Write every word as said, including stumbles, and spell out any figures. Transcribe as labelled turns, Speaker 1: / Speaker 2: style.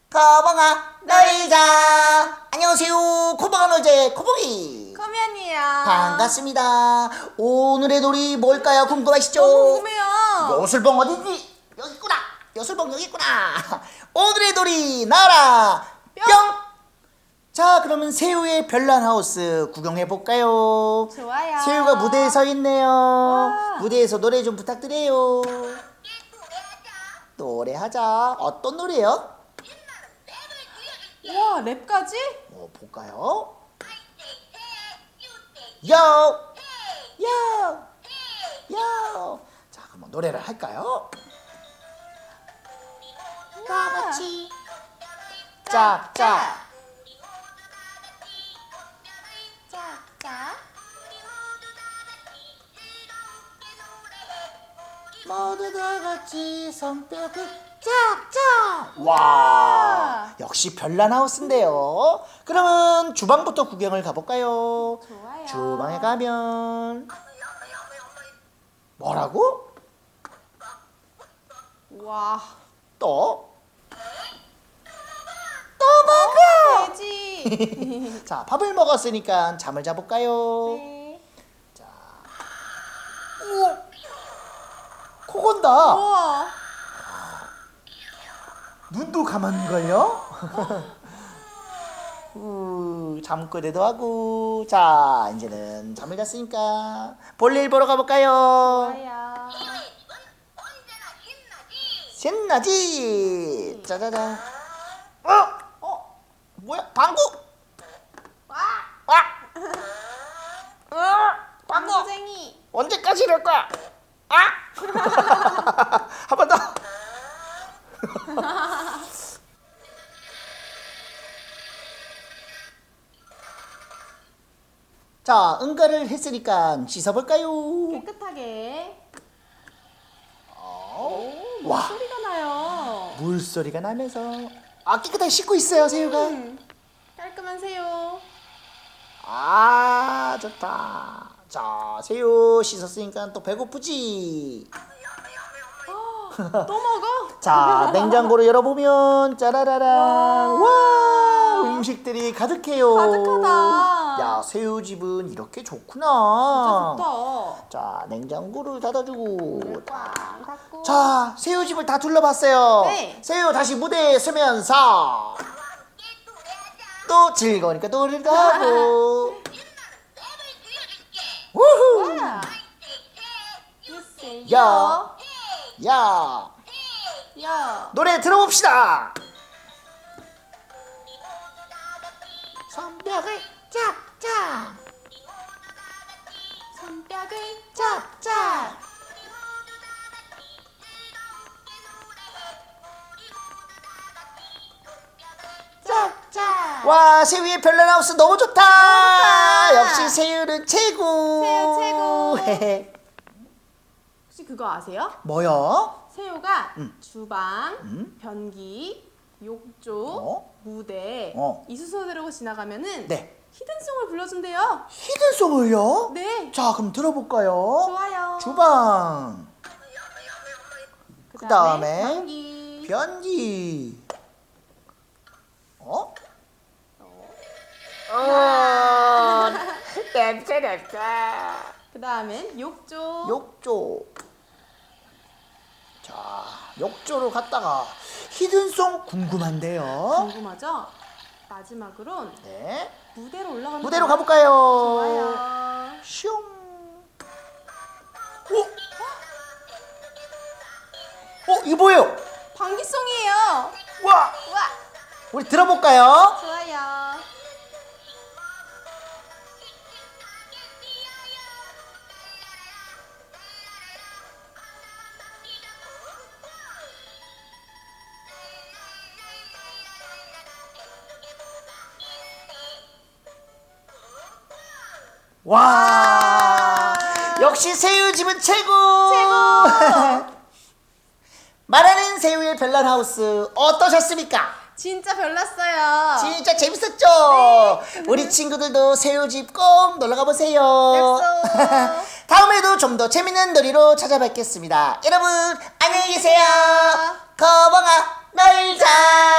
Speaker 1: 거봉아 놀자. 안녕하세요. 코봉아 놀자의 코봉이
Speaker 2: 커면이에요.
Speaker 1: 반갑습니다. 오늘의 놀이 뭘까요? 궁금하시죠?
Speaker 2: 너무 궁금해요.
Speaker 1: 여술봉 어디지? 여기 있구나. 여술봉 여기 있구나. 오늘의 놀이 나라 뿅. 자, 그러면 새우의 별난 하우스 구경해 볼까요?
Speaker 2: 좋아요.
Speaker 1: 새우가 무대에 서 있네요.
Speaker 2: 와.
Speaker 1: 무대에서 노래 좀 부탁드려요. 노래하자. 어떤 노래요?
Speaker 2: 와, 랩까지?
Speaker 1: 뭐 볼까요? 요! 요! 요! 자, 그럼 노래를 할까요? 다 같이 짝짝
Speaker 2: 짝짝.
Speaker 1: 모두 다 같이 손뼉을 짝짝. 와, 역시 별난 하우스인데요. 그러면 주방부터 구경을 가볼까요?
Speaker 2: 좋아요.
Speaker 1: 주방에 가면 뭐라고?
Speaker 2: 와.
Speaker 1: 또? 또 먹어!
Speaker 2: 돼지.
Speaker 1: 자, 밥을 먹었으니까 잠을 자볼까요?
Speaker 2: 네.
Speaker 1: 우와, 코 건다.
Speaker 2: 우와.
Speaker 1: 눈도 감았는걸요? 우, 잠꼬대도 하고. 자, 이제는 잠을 잤으니까 볼일 보러 가볼까요?
Speaker 2: 좋아요.
Speaker 1: 신나지? 짜자잔. 어?
Speaker 2: 어?
Speaker 1: 뭐야? 방구?
Speaker 2: 와.
Speaker 1: 와! 어? 방구!
Speaker 2: 방구쟁이.
Speaker 1: 언제까지 이럴 거야? 아! 한 번 더! 자, 응가를 했으니까 씻어볼까요?
Speaker 2: 깨끗하게.
Speaker 1: 어?
Speaker 2: 오,
Speaker 1: 와,
Speaker 2: 소리가 나요.
Speaker 1: 물소리가 나면서 아, 깨끗하게 씻고 있어요, 새우가.
Speaker 2: 음, 깔끔한 새우.
Speaker 1: 아, 좋다. 자, 새우 씻었으니까 또 배고프지?
Speaker 2: 또 먹어?
Speaker 1: 자, 냉장고를 열어보면 짜라라란. 와, 음식들이 가득해요.
Speaker 2: 가득하다.
Speaker 1: 야, 새우집은 이렇게 좋구나.
Speaker 2: 진짜 좋다.
Speaker 1: 자, 냉장고를 닫아주고.
Speaker 2: 꽝 닫고.
Speaker 1: 자, 새우집을 다 둘러봤어요.
Speaker 2: 네.
Speaker 1: 새우 다시 무대에 서면서 또 즐거우니까 노래도 하고. 우후.
Speaker 2: 와. 글쎄요.
Speaker 1: 야, 야,
Speaker 2: 야.
Speaker 1: 노래 들어봅시다. 손뼉을 짝짝,
Speaker 2: 손뼉을
Speaker 1: 짝짝.
Speaker 2: 짝짝.
Speaker 1: 와, 새우의 별난 하우스 너무 좋다.
Speaker 2: 너무 좋다.
Speaker 1: 역시 새우는 최고.
Speaker 2: 새우 최고.
Speaker 1: 헤헤.
Speaker 2: 혹시 그거 아세요?
Speaker 1: 뭐요?
Speaker 2: 새우가
Speaker 1: 음.
Speaker 2: 주방,
Speaker 1: 음?
Speaker 2: 변기, 욕조,
Speaker 1: 어?
Speaker 2: 무대
Speaker 1: 어.
Speaker 2: 이 순서대로 지나가면은
Speaker 1: 네.
Speaker 2: 히든송을 불러준대요.
Speaker 1: 히든송을요?
Speaker 2: 네.
Speaker 1: 자, 그럼 들어볼까요?
Speaker 2: 좋아요.
Speaker 1: 주방, 그다음에
Speaker 2: 변기.
Speaker 1: 변기. 어?
Speaker 2: 어.
Speaker 1: 냄새 냄새.
Speaker 2: 그다음엔 욕조.
Speaker 1: 욕조. 자, 욕조로 갔다가 히든송 궁금한데요.
Speaker 2: 궁금하죠? 마지막으론
Speaker 1: 네.
Speaker 2: 무대로 올라가는
Speaker 1: 무대로
Speaker 2: 거예요.
Speaker 1: 가볼까요?
Speaker 2: 좋아요.
Speaker 1: 슝. 어? 어, 이거 뭐예요?
Speaker 2: 방귀송이에요.
Speaker 1: 와,
Speaker 2: 와,
Speaker 1: 우리 들어볼까요?
Speaker 2: 좋아요.
Speaker 1: 와, 역시 새우집은 최고.
Speaker 2: 최고.
Speaker 1: 말하는 새우의 별난 하우스 어떠셨습니까?
Speaker 2: 진짜 별났어요.
Speaker 1: 진짜 재밌었죠? 우리 친구들도 새우집 꼭 놀러가 보세요.
Speaker 2: 약속.
Speaker 1: 다음에도 좀 더 재밌는 놀이로 찾아뵙겠습니다. 여러분 안녕히 계세요. 거봉아 놀자.